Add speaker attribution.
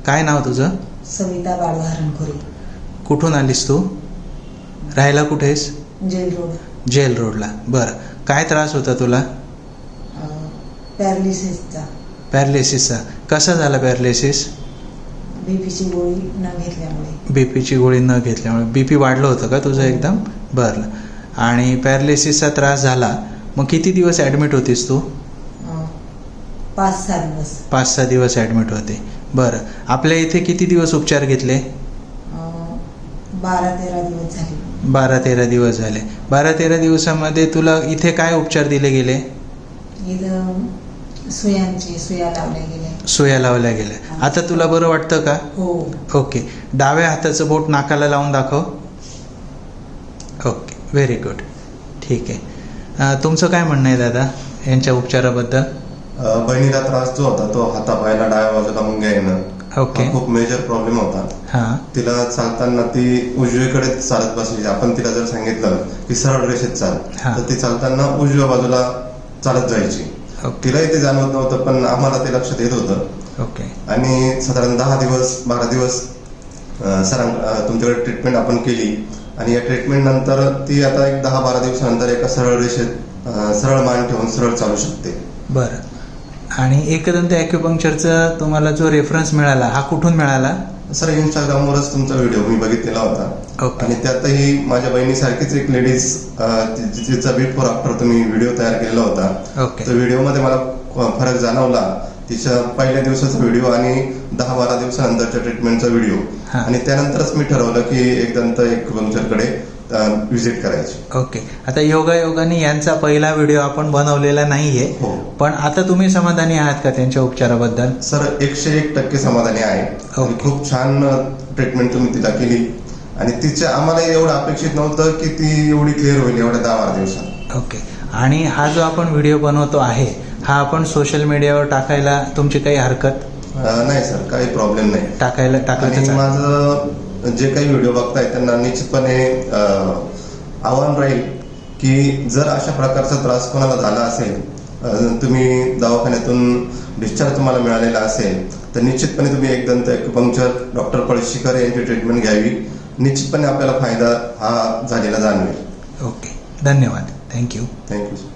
Speaker 1: काय नाव तुझं?
Speaker 2: सविता बाळू हरणखोरे.
Speaker 1: कुठून आलीस तू? राहायला कुठेस?
Speaker 2: Gel road.
Speaker 1: जेल रोडला. बरं, काय त्रास होता तुला?
Speaker 2: पॅरालिसिसचा.
Speaker 1: पॅरालिसिसचा. कसा झाला पॅरालिसिस?
Speaker 2: बीपीची गोळी न घेतल्यामुळे.
Speaker 1: बीपीची गोळी न घेतल्यामुळे. बीपी वाढलं होतं का तुझं एकदम? बरं. आणि पॅरालिसिसचा त्रास झाला, मग किती दिवस ॲडमिट होतीस तू?
Speaker 2: 5-6 दिवस.
Speaker 1: 5-6 दिवस ॲडमिट होते. बरं, आपल्या इथे किती दिवस उपचार घेतले?
Speaker 2: 12-13 दिवस झाले.
Speaker 1: 12-13 दिवस झाले. 12-13 दिवसामध्ये तुला इथे काय उपचार दिले गेले?
Speaker 2: इथं सुया लावल्या गेल्या.
Speaker 1: सुया लावल्या गेल्या. आता तुला बरं वाटतं का?
Speaker 2: हो.
Speaker 1: ओके. डाव्या हाताचं बोट नाकाला लावून दाखव. Okay, very good. ठीक आहे. तुमचं काय म्हणणं आहे दादा यांच्या उपचाराबद्दल?
Speaker 3: बहिणीला त्रास जो होता तो हातापायाला डाव्या बाजूला मुंग्या येणं,
Speaker 1: ओके,
Speaker 3: खूप मेजर प्रॉब्लेम होता.
Speaker 1: हां,
Speaker 3: तिला चालताना ती उजवीकडे चालत बसायची. आपण तिला जर सांगितलं की सरळ रेषेत चाल,
Speaker 1: हां.
Speaker 3: तर ती चालताना उजव्या बाजूला चालत जायची.
Speaker 1: ओके,
Speaker 3: तिलाही ते जाणवत नव्हतं, पण आम्हाला ते लक्षात येत होतं.
Speaker 1: ओके,
Speaker 3: आणि साधारण 10-12 दिवस तुमच्याकडे ट्रीटमेंट आपण केली. आणि या ट्रीटमेंट नंतर ती आता एक 10-12 दिवसानंतर एका सरळ रेषेत सरळ मान ठेवून सरळ चालू शकते.
Speaker 1: बरं. आणि एकदंत ॲक्युपंक्चरचा तुम्हाला जो रेफरन्स मिळाला हा कुठून मिळाला?
Speaker 3: सर, इंस्टाग्रामवरच तुमचा व्हिडिओ मी बघितलेला होता.
Speaker 1: ओके.
Speaker 3: आणि त्यातही माझ्या बहिणीसारखीच एक लेडीज, तिचा बिफोर आफ्टर तुम्ही व्हिडिओ तयार केलेला होता.
Speaker 1: ओके.
Speaker 3: तर व्हिडिओमध्ये मला फरक जाणवला. तिच्या पहिल्या दिवसाचा व्हिडिओ आणि 10-12 दिवसानंतरच्या ट्रीटमेंटचा व्हिडिओ.
Speaker 1: हां.
Speaker 3: आणि त्यानंतरच मी ठरवलं की एकदंत ॲक्युपंक्चरकडे व्हिजिट करायची.
Speaker 1: ओके. आता योगायोगाने यांचा पहिला व्हिडिओ आपण बनवलेला नाहीये,
Speaker 3: हो.
Speaker 1: पण आता तुम्ही समाधानी आहात का त्यांच्या उपचाराबद्दल?
Speaker 3: सर, 101% समाधानी आहे. आणि
Speaker 1: ओके.
Speaker 3: खूप छान ट्रीटमेंट तुम्ही तिला केली. आणि तिच्या आम्हाला एवढं अपेक्षित नव्हतं की ती एवढी क्लिअर होईल एवढ्या 10-12 दिवसात.
Speaker 1: ओके. आणि हा जो आपण व्हिडिओ बनवतो आहे हा आपण सोशल मीडियावर टाकायला तुमची काही हरकत?
Speaker 3: नाही सर, काही प्रॉब्लेम नाही.
Speaker 1: टाकलं
Speaker 3: आणि
Speaker 1: तर
Speaker 3: माझं जे काही व्हिडिओ बघताय त्यांना निश्चितपणे आव्हान राहील की जर अशा प्रकारचा त्रास कोणाला झाला असेल, तुम्ही दवाखान्यातून डिस्चार्ज तुम्हाला मिळालेला असेल, तर निश्चितपणे तुम्ही एकदंत ॲक्युपंक्चर डॉक्टर पळशीकर यांची ट्रीटमेंट घ्यावी. निश्चितपणे आपल्याला फायदा हा झालेला जाणवेल.
Speaker 1: ओके. धन्यवाद. थँक्यू.
Speaker 3: थँक्यू.